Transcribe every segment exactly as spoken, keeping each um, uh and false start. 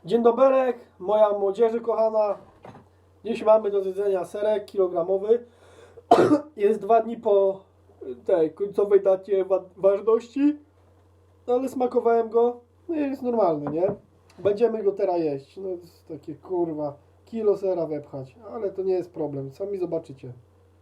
Dzień doberek, moja młodzieży kochana. Dziś mamy do zjedzenia serek kilogramowy. Jest dwa dni po tej końcowej dacie wa ważności. No ale smakowałem go. No i jest normalny, nie? Będziemy go teraz jeść. No to jest takie kurwa. Kilo sera wepchać. Ale to nie jest problem. Sami zobaczycie.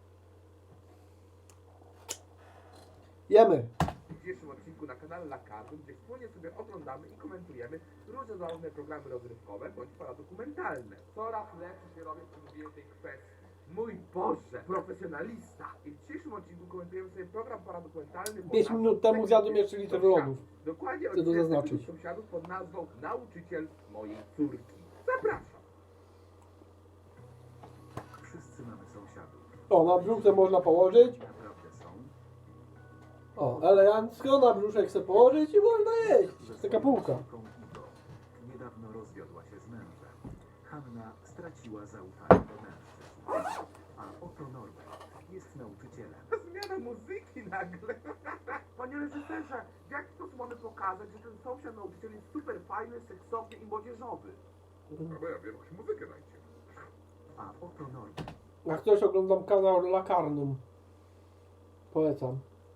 Jemy. W dzisiejszym odcinku na kanale Lakardu, gdzie wspólnie sobie oglądamy i komentujemy różne zabawne programy rozrywkowe bądź paradokumentalne. Coraz lepszy się robię w tym tej kwestii. Mój Boże, profesjonalista! I w dzisiejszym odcinku komentujemy sobie program paradokumentalny pod pięć nazwą minut temu zjadłem Sekretny jeszcze litr Sąsiadów. lodów. Dokładnie Chcę to odcinek zaznaczyć. Sekretnych Sąsiadów pod nazwą Nauczyciel mojej córki. Zapraszam! Wszyscy mamy sąsiadów. O, na brzuchę można położyć. Naprawdę są. O, elegancko na brzuszek chcę położyć i można jeść. Taka półka. Córką Igo. Niedawno rozwiodła się z mężem. Hanna straciła zaufanie do mężczyzn. A oto Norbert jest nauczycielem. Zmiana muzyki nagle. Panie reżyserze, w jaki sposób mamy pokazać, że ten sąsiad nauczyciel jest super fajny, seksowny i młodzieżowy? No ja wiem, jakąś muzykę dajcie. A oto Norbert. Jak ktoś oglądam kanał Lakarnum. Polecam.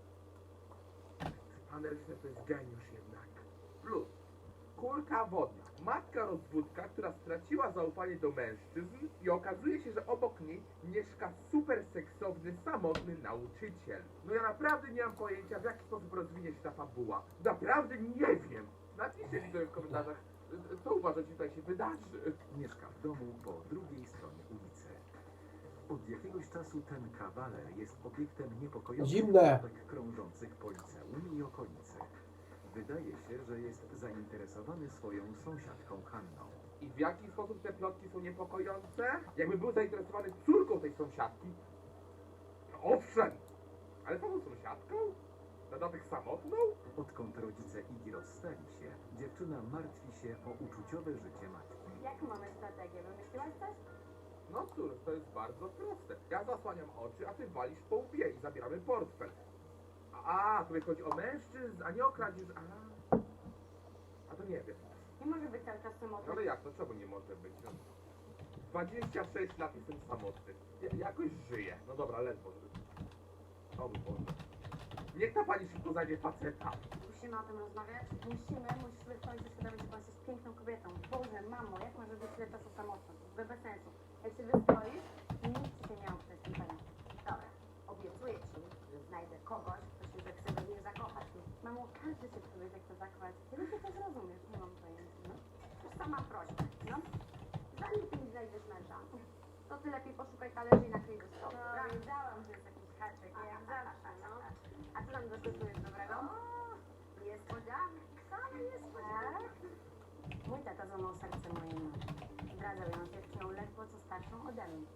Pan reżyser to jest geniusz jednak. Plus, kulka wodna. Matka rozwódka, która straciła zaufanie do mężczyzn i okazuje się, że obok niej mieszka super seksowny, samotny nauczyciel. No ja naprawdę nie mam pojęcia, w jaki sposób rozwinie się ta fabuła. Naprawdę nie wiem. Napiszcie mi sobie w komentarzach, co uważacie, tutaj się wydarzy. Mieszka w domu po drugiej stronie ulicy. Od jakiegoś czasu ten kawaler jest obiektem niepokojących Zimne. plotek krążących po liceum i okolicy. Wydaje się, że jest zainteresowany swoją sąsiadką Hanną. I w jaki sposób te plotki są niepokojące? Jakby był zainteresowany córką tej sąsiadki. No owszem, ale samą sąsiadką? Na dodatek samotną? Odkąd rodzice Igi rozstali się, dziewczyna martwi się o uczuciowe życie matki. Jaką mamy strategię? Wymyśliłaś coś? No cóż, to jest bardzo proste. Ja zasłaniam oczy, a ty walisz po łbie i zabieramy portfel. A, a tutaj chodzi o mężczyzn, a nie o kradzież. A, a to nie wiem. Nie może być cały czas No samotny. ale jak, no czemu nie może być? No, dwadzieścia sześć lat jestem samotny. Ja, jakoś żyję. No dobra, ledwo. O mój Boże. Niech ta pani szybko znajdzie faceta. Musimy o tym rozmawiać. Musimy, musisz sobie w końcu uświadomić, że pan jest piękną kobietą. Boże, mamo, jak może być tyle czasu samotna? To jest bez sensu. Jak się wystroisz, nic ci się nie oprzeć tym pewnie. Dobra, obiecuję ci, że znajdę kogoś, kto się zechce we mnie zakochać. Mamo, każdy się w sobie zechce zakochać. Kiedy ty to zrozumiesz? Nie mam pojęcia. No? To sama prośba, no? Zanim ty mi znajdziesz męża, to ty lepiej poszukaj talerzy i nakryj do stołu. No, wiedziałam, że jest jakiś haczyk, jak zawsze, no. A co tam gotujesz dobrego? Niespodzianki, same niespodzianki. Mój tata złamał serce mojej mamy. Zdradzał ją z dziewczyną ledwo co starszą ode mnie.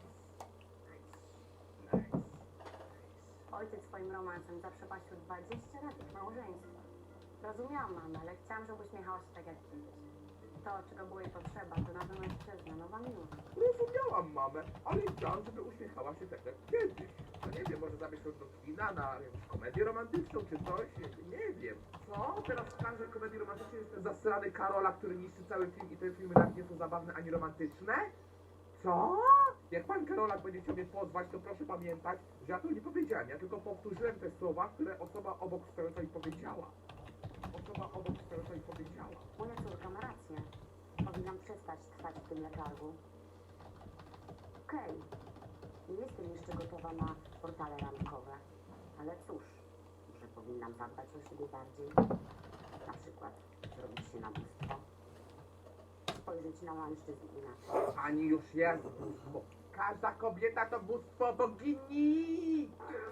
Ojciec swoim romansem zaprzepaścił dwadzieścia lat ich małżeństwa. Rozumiałam mamę, ale chciałam, żeby uśmiechała się tak jak kiedyś. To, czego było jej potrzeba, to nowy mężczyzna, nowa miłość. Rozumiałam mamę, ale chciałam, żeby uśmiechała się tak jak kiedyś. No nie wiem, może zabierz ją do kina na jakąś komedię romantyczną czy coś? Nie, nie wiem. Co? Teraz w każdej komedii romantycznej jest ten zasrany Karola, który niszczy cały film i te filmy nawet nie są zabawne ani romantyczne? Co? Jak pan Karolak będzie chciał mnie pozwać, to proszę pamiętać, że ja to nie powiedziałem. Ja tylko powtórzyłem te słowa, które osoba obok stojącej powiedziała. Osoba obok stojącej powiedziała. Moja córka ma rację. Powinnam przestać trwać w tym letargu. Okej, nie jestem jeszcze gotowa na portale randkowe, ale cóż, może powinnam zadbać o siebie bardziej. Na przykład zrobić się na bóstwo. Spojrzeć na mężczyzn inaczej. Pani już jest bóstwo. Każda kobieta to bóstwo bogini!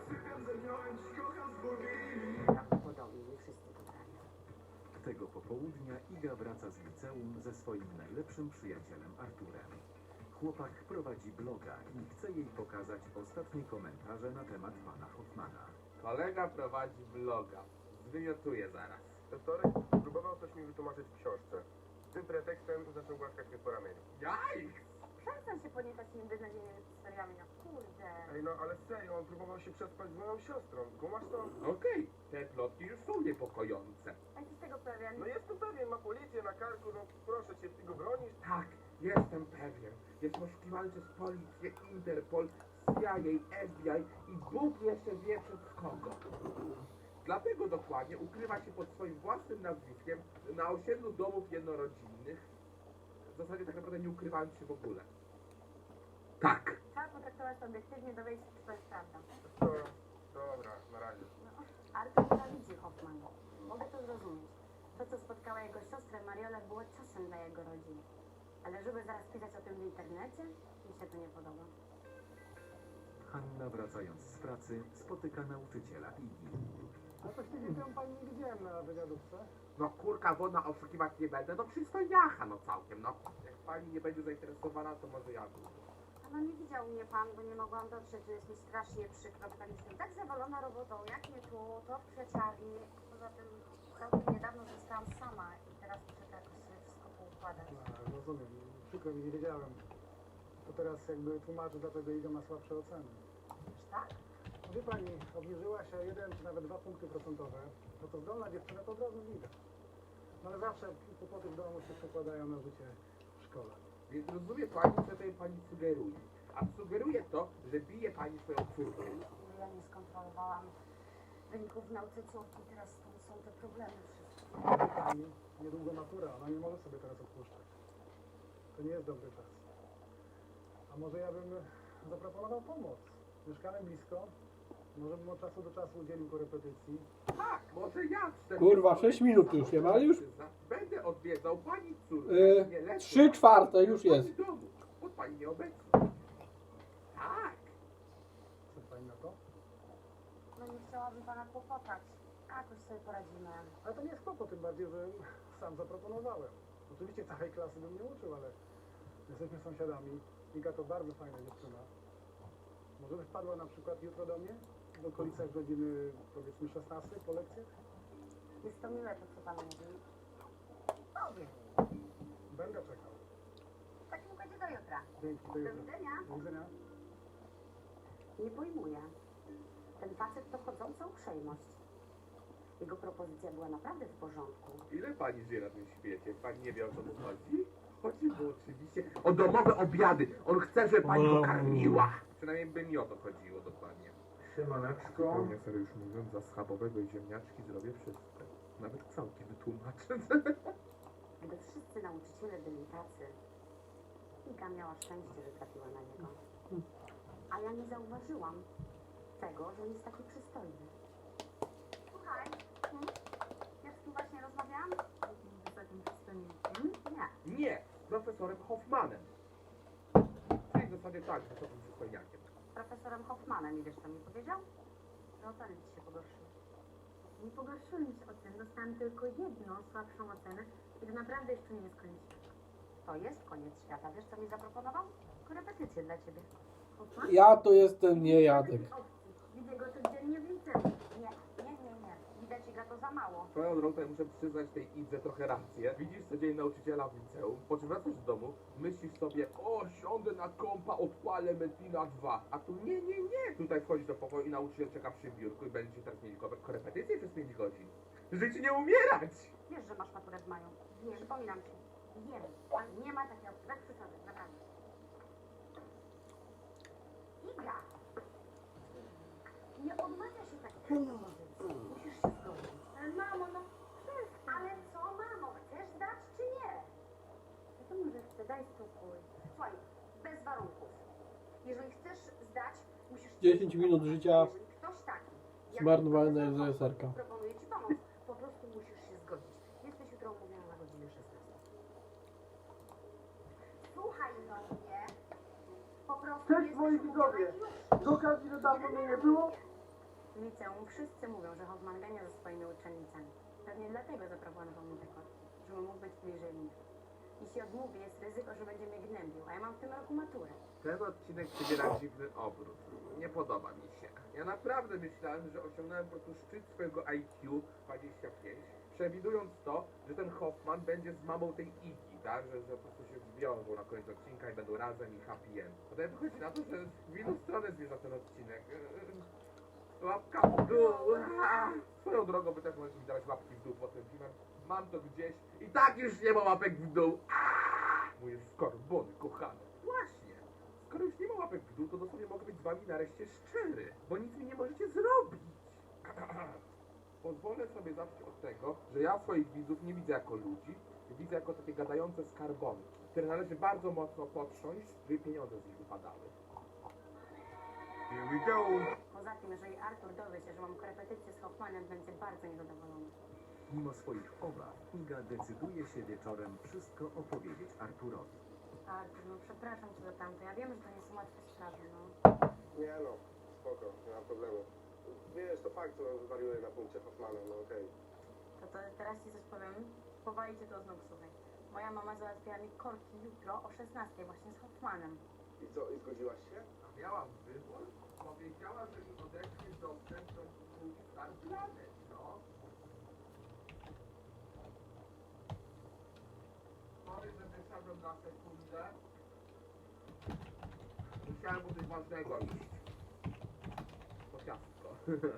Prawdopodobnie nie wszyscy potrafią. Tego popołudnia Iga wraca z liceum ze swoim najlepszym przyjacielem Arturem. Chłopak prowadzi bloga i chce jej pokazać ostatnie komentarze na temat pana Hoffmana. Kolega prowadzi bloga. Zwymiotuję zaraz. We wtorek próbował coś mi wytłumaczyć w książce. Tym pretekstem zaczął głaskać mnie po ramieniu. Jaj! Przestań się podniecać tymi beznadziejnymi historiami, no kurde. Ej, no ale serio, on próbował się przespać z moją siostrą. Kumasz to? Okej, te plotki już są niepokojące. A jesteś tego pewien? No jestem pewien, ma policję na karku. porządku, no proszę cię, ty go bronisz? Tak, jestem pewien. Jest poszukiwany przez policję, Interpol, C I A, F B I i Bóg jeszcze wie przez kogo. Dlatego dokładnie ukrywa się pod swoim własnym nazwiskiem na osiedlu domów jednorodzinnych. W zasadzie tak naprawdę nie ukrywając się w ogóle. Tak. Trzeba potraktować to obiektywnie, dowiedzieć się, czy to jest prawda. To, dobra, na razie. No, Artur nienawidzi Hoffmana. Mogę to zrozumieć. To, co spotkało jego siostrę Mariolę, było ciosem dla jego rodziny. Ale żeby zaraz pisać o tym w internecie, mi się to nie podoba. Hanna, wracając z pracy, spotyka nauczyciela Igi. A właściwie tę pani nie widziałem na wywiadówce. No kurka wodna oszukiwać nie będę, no przystojniacha no całkiem, no. Jak pani nie będzie zainteresowana, to może ja budę. No nie widział mnie pan, bo nie mogłam dotrzeć, że jest mi strasznie przykro, bo tak jestem tak zawalona robotą, jak nie tu, to w kwieciarni. Poza tym całkiem niedawno zostałam sama i teraz muszę to jakoś sobie wszystko poukładać. No, rozumiem, przykro mi, nie wiedziałem. To teraz jakby tłumaczę, dlaczego Iga ma słabsze oceny. Wiesz tak? Wie pani, obniżyła się jeden czy nawet dwa punkty procentowe. No to zdolna dziewczyna to od razu widać. No ale zawsze kłopoty w domu się przekładają na życie w szkole. Więc rozumie pani, co tutaj pani sugeruje. A sugeruje to, że bije pani swoją córkę. Ja nie skontrolowałam wyników w nauce córki, teraz stąd są te problemy wszystkie. Wie pani, niedługo matura, ona nie może sobie teraz odpuszczać. To nie jest dobry czas. A może ja bym zaproponował pomoc. Mieszkamy blisko. Może bym od czasu do czasu udzielił korepetycji. Tak, może ja cztery... Kurwa, sześć minut już nie ma, ale już Będę odwiedzał pani córkę. Yy, nie lecę. trzy czwarte już Pani jest. domu, bo pani nieobecna. Tak. Co pani na to? No nie chciałabym pana kłopotać. Jakoś sobie poradzimy. Ale to nie jest kłopot, tym bardziej, że sam zaproponowałem. Oczywiście całej klasy bym nie uczył, ale jesteśmy sąsiadami. Iga to bardzo fajna dziewczyna. Może by wpadła na przykład jutro do mnie? W okolicach godziny, powiedzmy, szesnastej po lekcjach? Jest to miłe to, co pan mówi. Powiem. Będę czekał. W takim układzie do jutra. Dzięki, do Do jutra. widzenia. Do widzenia. Nie pojmuję. Ten facet to chodząca uprzejmość. Jego propozycja była naprawdę w porządku. Ile pani żyje na tym świecie? Pani nie wie, o co mu chodzi? Chodzi mu oczywiście o domowe obiady. On chce, żeby pani go karmiła. Przynajmniej by mi o to chodziło dokładnie. Siemaneczko. Zupełnie serio już mówiąc, za schabowego i ziemniaczki zrobię wszystko. Nawet całkiem wytłumaczę. Gdyby wszyscy nauczyciele byli tacy, Iga miała szczęście, że trafiła na niego. A ja nie zauważyłam tego, że on jest taki przystojny. Słuchaj, hmm? ja z kim właśnie rozmawiałam? Z wysokim przystojnikiem? Nie. Nie, z profesorem Hoffmanem. Czyli w zasadzie tak, z wysokim przystojniakiem. Z profesorem Hoffmanem i wiesz co mi powiedział? Że oceny ci się pogorszyły. Nie pogorszyły mi się oceny, dostałam tylko jedną słabszą ocenę i to naprawdę jeszcze nie jest koniec świata. To jest koniec świata. Wiesz co mi zaproponował? Korepetycję dla ciebie. Hoffman? Ja to jestem nie Jadek. Widzę go codziennie w liceum. Nie, nie, nie, nie. Widać Iga to za mało. Swoją drogą tutaj muszę przyznać tej Idze trochę rację. Widzisz codziennie nauczyciela w liceum, po czym wracasz do domu, myślisz sobie, o, siądę na kompa, odpalę Metina dwa. A tu nie, nie, nie. Tutaj wchodzisz do pokoju i nauczyciel czeka przy biurku i będziecie teraz mieli ko- korepetycje przez pięć godzin. Żyć nie umierać! Wiesz, że masz maturę w maju. Nie, przypominam ci. Wiem, ale nie ma takiej opcji. Tak przesady, naprawdę. Iga! Nie odmawia się takich propozycji. Musisz się zgodzić. Ale mamo, no przestań. Ale co, mamo? Chcesz dać czy nie? Wiadomo, że chcę. Daj spokój. Słuchaj, bez warunków. Jeżeli chcesz zdać, musisz... dziesięć minut życia Jeżeli ktoś taki... jak zmarnowane profesor z reżyserka. proponuje ci pomoc, po prostu musisz się zgodzić. Jesteś jutro umówiona na godzinę szesnastą. Słuchaj no mnie. Po prostu Cześć, jesteś moi umówiona widzowie. i już. Z okazji, że dawno mnie nie było, W liceum wszyscy mówią, że Hoffman gania ze swoimi uczennicami. Pewnie dlatego zaproponował mi te korki, żeby mógł być bliżej mnie. Jeśli odmówię, jest ryzyko, że będzie mnie gnębił, a ja mam w tym roku maturę. Ten odcinek przybiera dziwny obrót. Nie podoba mi się. Ja naprawdę myślałem, że osiągnąłem po prostu szczyt swojego I Q dwadzieścia pięć, przewidując to, że ten Hoffman będzie z mamą tej Iggy, tak? Że, że po prostu się zwiążą na koniec odcinka i będą razem i happy end. Potem wychodzi na to, że w inną stronę zmierza ten odcinek. Łapka w dół. Swoją drogą wy też możecie mi dawać łapki w dół pod tym filmem. mam to gdzieś i tak już nie ma łapek w dół. Aaaa, moje skarbony kochane. Właśnie, skoro już nie ma łapek w dół, to dosłownie mogę być z wami nareszcie szczery, bo nic mi nie możecie zrobić. Pozwolę sobie zacząć od tego, że ja swoich widzów nie widzę jako ludzi, widzę jako takie gadające skarbonki, które należy bardzo mocno potrząść, żeby pieniądze z nich wypadały. Here we go! Poza tym, jeżeli Artur dowie się, że mam korepetycję z Hoffmanem, będzie bardzo niezadowolony. Mimo swoich obaw, Iga decyduje się wieczorem wszystko opowiedzieć Arturowi. Artur, no przepraszam cię za tamto. Ja wiem, że to nie są łatwe sprawy, no. Nie no, spoko, nie ma problemu. Wiesz, to fakt, że on wywariuje na punkcie Hoffmana, no okej. To, to teraz ci coś powiem. Powali cię to znów, słuchaj. Moja mama załatwiła mi korki jutro o szesnastej właśnie z Hoffmanem. I co, i zgodziłaś się? A miałam wybór? Powiedziała, że mi odechce dostęp do spółki Star Planet, no. Sorry, że wyszedłem na sekundę. Musiałem po coś ważnego iść. To ciastko.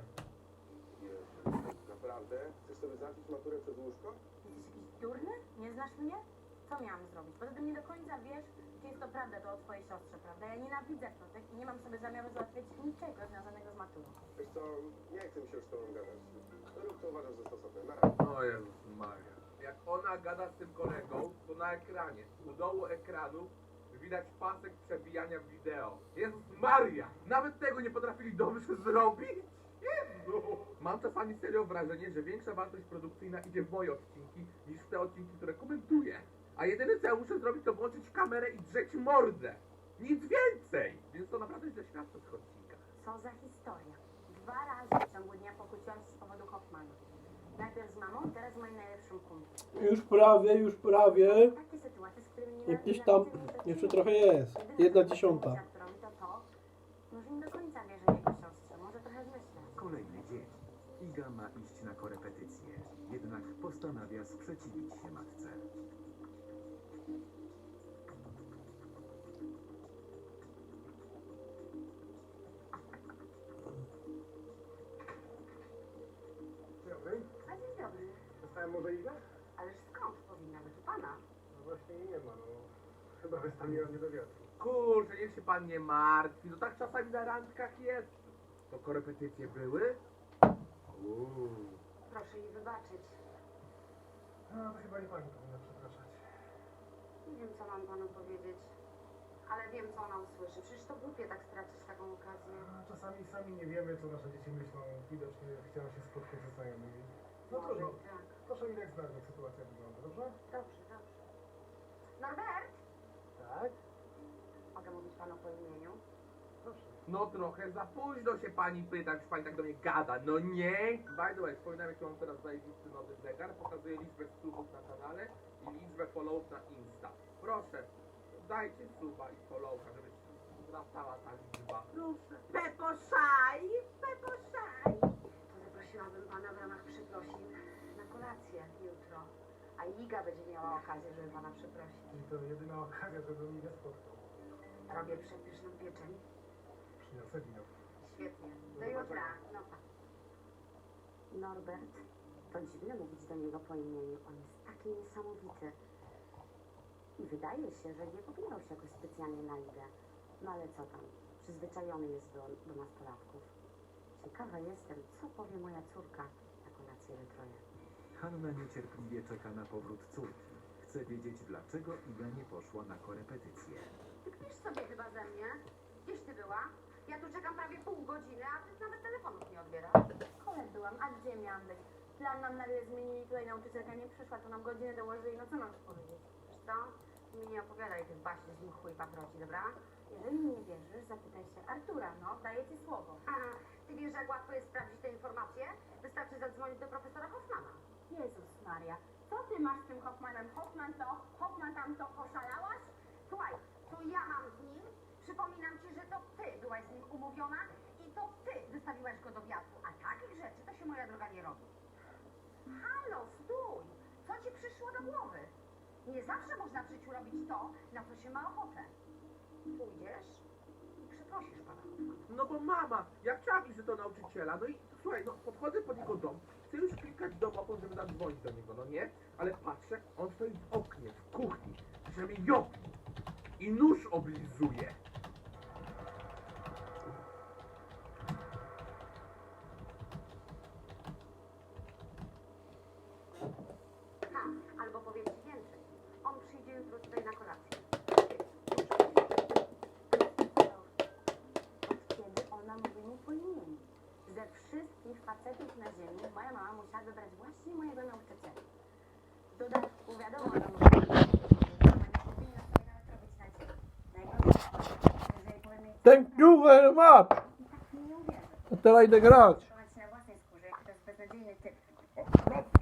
Jezu, naprawdę? Chcesz sobie zacząć maturę przez łóżko? Jesteś jakiś durny? Nie znasz mnie? Co miałam zrobić? Poza tym nie do końca wiesz, czy jest to prawda, to o twojej siostrze, prawda? Ja nienawidzę plotek i nie mam sobie zamiaru załatwiać niczego związanego z maturą. Wiesz co, nie chcę mi się już z tobą gadać. Rób co uważasz za stosowne. Na razie. O Jezus Maria. Jak ona gada z tym kolegą, to na ekranie, u dołu ekranu widać pasek przebijania wideo. Jezus Maria! Nawet tego nie potrafili dobrze zrobić? Jezu! Mam czasami serio wrażenie, że większa wartość produkcyjna idzie w moje odcinki niż w te odcinki, które komentuję. A jedyne co ja muszę zrobić, to włączyć kamerę i drzeć mordę. Nic więcej! Więc to naprawdę źle świadczy o tych odcinkach. Co za historia. Dwa razy w ciągu dnia pokłóciłam się z powodu Hoffmana. Najpierw z mamą, teraz z moim najlepszym kumplem. Już prawie, już prawie. Takie sytuacje, z którymi nie Jakieś tam jeszcze trochę jest. Jedna dziesiąta. To to, może nie do końca wierzę w jego siostrze, może trochę zmyślę. Kolejny dzień. Iga ma iść na korepetycję, jednak postanawia sprzeciwić się matce. Dzień dobry. A dzień dobry. Dostałem może Igę? Ależ skąd powinna być u pana? No właśnie jej nie ma, no. Chyba wystawiła mnie do wiatru. Kurczę, niech się pan nie martwi, no tak czasami na randkach jest. To korepetycje były? Uuu. Proszę jej wybaczyć. No to chyba nie pani powinna przepraszać. Nie wiem, co mam panu powiedzieć. Ale wiem, co ona usłyszy. Przecież to głupie tak stracić taką okazję. No, czasami sami nie wiemy, co nasze dzieci myślą. Widocznie chciała się spotkać ze znajomymi. No Może trudno. i tak. Proszę mi dać znać, jak sytuacja wygląda, dobrze? Dobrze, dobrze. Norbert! Tak? Mogę mówić panu po imieniu? Proszę. No trochę za późno się pani pyta, już pani tak do mnie gada, no nie? By the way, wspominam, jaki mam teraz zajebisty nowy zegar, pokazuje liczbę subów na kanale i liczbę followów na Insta. Proszę, dajcie suba i followka, żeby się wracała ta liczba. Proszę. Pepo Szaj! Pepo Szaj! To zaprosiłabym pana w ramach przeprosin na kolację jutro. A Iga będzie miała okazję, żeby pana przeprosić. I to jedyna okazja, żeby mnie nie spotkał. Robię przepyszną pieczeń. Przyniosę wino. Świetnie. Do jutra. No pa. Norbert, to dziwne mówić do niego po imieniu. On jest taki niesamowity. I wydaje się, że nie pobierał się jakoś specjalnie na Igę. No ale co tam? Przyzwyczajony jest do, do nastolatków. Ciekawa jestem, co powie moja córka na kolację jutro je. Hanna niecierpliwie czeka na powrót córki. Chce wiedzieć, dlaczego Iga nie poszła na korepetycję. Ty kpisz sobie chyba ze mnie? Gdzieś ty była? Ja tu czekam prawie pół godziny, a ty nawet telefonów nie odbierasz. W szkole byłam, a gdzie miałam być? Plan nam nagle zmienili, tutaj nauczycielka nie przyszła, to nam godzinę dołożyli, no co mam ci powiedzieć? Wiesz co? Ty mi nie opowiadaj tych baśni z nim chuj paproci, dobra? Jeżeli mi nie wierzysz, zapytaj się Artura, no, daję ci słowo. Aha, ty wiesz, jak łatwo jest sprawdzić te informacje? Wystarczy zadzwonić do profesora Hoffmana. Jezus Maria, co ty masz z tym Hoffmanem? Hoffman to, Hoffman tamto, poszalałaś? Słuchaj, to ja mam z nim. Przypominam ci, że to ty byłaś z nim umówiona i to ty wystawiłaś go do wiatru. A takich rzeczy to się, moja droga, nie robi. Halo, stój! Co ci przyszło do głowy? Nie zawsze można w życiu robić to, na co się ma ochotę. Pójdziesz i przeprosisz pana Hoffmana. No bo mama, ja chciałam iść do nauczyciela, no i słuchaj, no podchodzę pod jego dom, chcę już klikać domofon, żeby zadzwonić do niego, no nie? Ale patrzę, on stoi w oknie, w kuchni, że mi jopi i nóż oblizuje. Tak, albo powiem ci więcej. On przyjdzie jutro tutaj na kolację. Od kiedy ona mówi mu po imieniu? Ze wszystkich facetów na ziemi moja mama musiała wybrać właśnie mojego nauczyciela. W dodatku wiadomo, ona mówi, że mama nie powinna sobie nawet robić nadziei. Najgorzej, jeżeli powiem jej, Thank you very much. i tak mi nie uwierzy. To teraz idę grać. Przekonać się na własnej skórze, jaki to jest beznadziejny typ.